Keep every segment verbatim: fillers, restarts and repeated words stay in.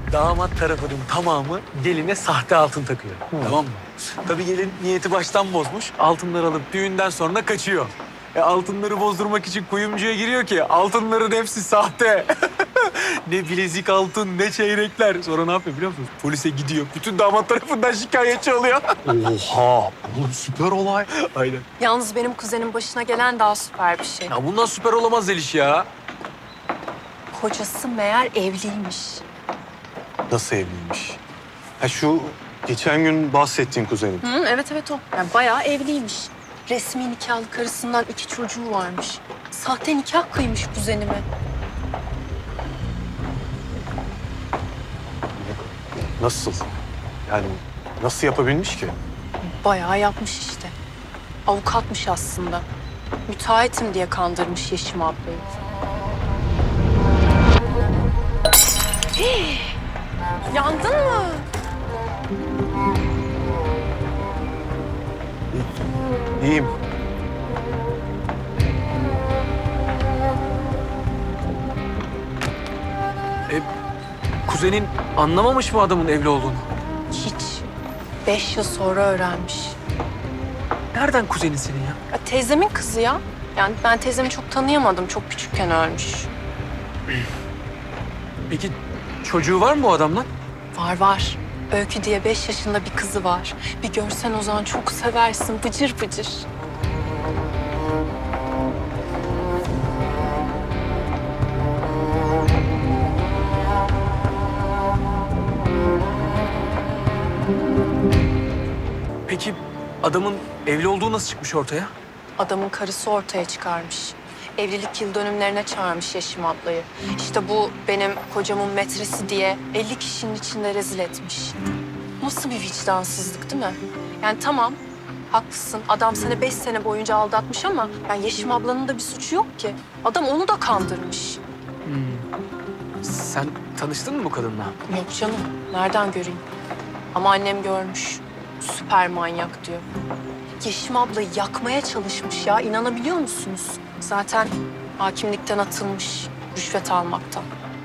damat tarafının tamamı geline sahte altın takıyor. Tamam mı? Tabii gelin niyeti baştan bozmuş. Altınları alıp düğünden sonra kaçıyor. E, altınları bozdurmak için kuyumcuya giriyor ki altınların hepsi sahte. Ne bilezik altın, ne çeyrekler. Sonra ne yapıyor biliyor musunuz? Polise gidiyor. Bütün damat tarafından şikayetçi oluyor. Oha! Oğlum süper olay. Aynen. Yalnız benim kuzenin başına gelen daha süper bir şey. Ya bundan süper olamaz Zeliş ya. Kocası meğer evliymiş. Nasıl evliymiş? Ha şu geçen gün bahsettiğin kuzenin. Hı, evet evet o. Yani bayağı evliymiş. Resmi nikahlı karısından iki çocuğu varmış. Sahte nikah kıymış kuzenime. Nasıl? Yani nasıl yapabilmiş ki? Bayağı yapmış işte. Avukatmış aslında. Müteahhitim diye kandırmış Yeşim ablayı. Hii! Yandın mı? İyiyim. E, kuzenin anlamamış mı adamın evli olduğunu? Hiç. Beş yıl sonra öğrenmiş. Nereden kuzenin senin ya? Ya teyzemin kızı ya. Yani ben teyzemi çok tanıyamadım. Çok küçükken ölmüş. Peki çocuğu var mı bu adamla? Var var. Öykü diye beş yaşında bir kızı var. Bir görsen o zaman çok seversin. Bıcır bıcır. Peki adamın evli olduğu nasıl çıkmış ortaya? Adamın karısı ortaya çıkarmış. Evlilik yıl dönümlerine çağırmış Yeşim ablayı. İşte bu benim kocamın metresi diye elli kişinin içinde rezil etmiş. Nasıl bir vicdansızlık değil mi? Yani tamam, haklısın. Adam seni beş sene boyunca aldatmış ama yani Yeşim ablanın da bir suçu yok ki. Adam onu da kandırmış. Sen tanıştın mı bu kadınla? Yok canım, nereden göreyim? Ama annem görmüş. Süper manyak diyor. Yeşim ablayı yakmaya çalışmış ya, inanabiliyor musunuz? Zaten hakimlikten atılmış, rüşvet almaktan.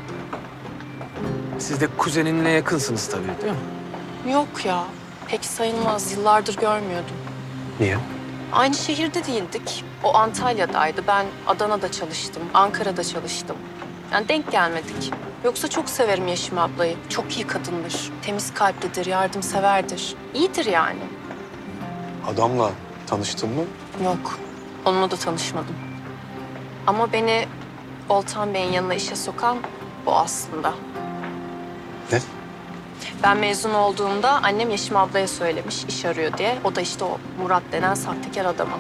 Siz de kuzeninle yakınsınız tabii değil mi? Yok ya, pek sayılmaz. Yıllardır görmüyordum. Niye? Aynı şehirde değildik. O Antalya'daydı. Ben Adana'da çalıştım, Ankara'da çalıştım. Yani denk gelmedik. Yoksa çok severim Yeşim ablayı. Çok iyi kadındır. Temiz kalplidir, yardımseverdir. İyidir yani. Adamla tanıştın mı? Yok, onunla da tanışmadım. Ama beni Oltan Bey'in yanına işe sokan o aslında. Ne? Ben mezun olduğumda annem Yeşim ablaya söylemiş iş arıyor diye. O da işte o Murat denen sahtekar adamı.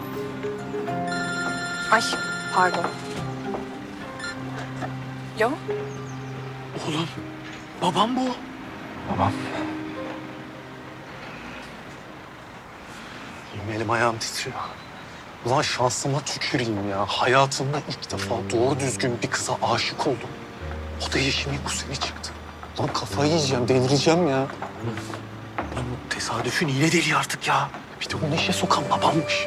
Ay pardon. Yo, Oğlum babam bu. Babam. Yemin elim ayağım titriyor. Ulan şansıma tüküreyim ya. Hayatımda ilk defa doğru düzgün bir kıza aşık oldum. O da Yeşim'in kuzeni çıktı. Lan kafayı yiyeceğim, delireceğim ya. Lan bu tesadüfün iğne deliği artık ya. Bir de onu işe sokan babammış.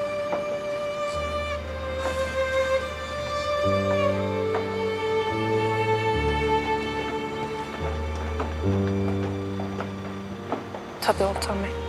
tabii Oltan Bey.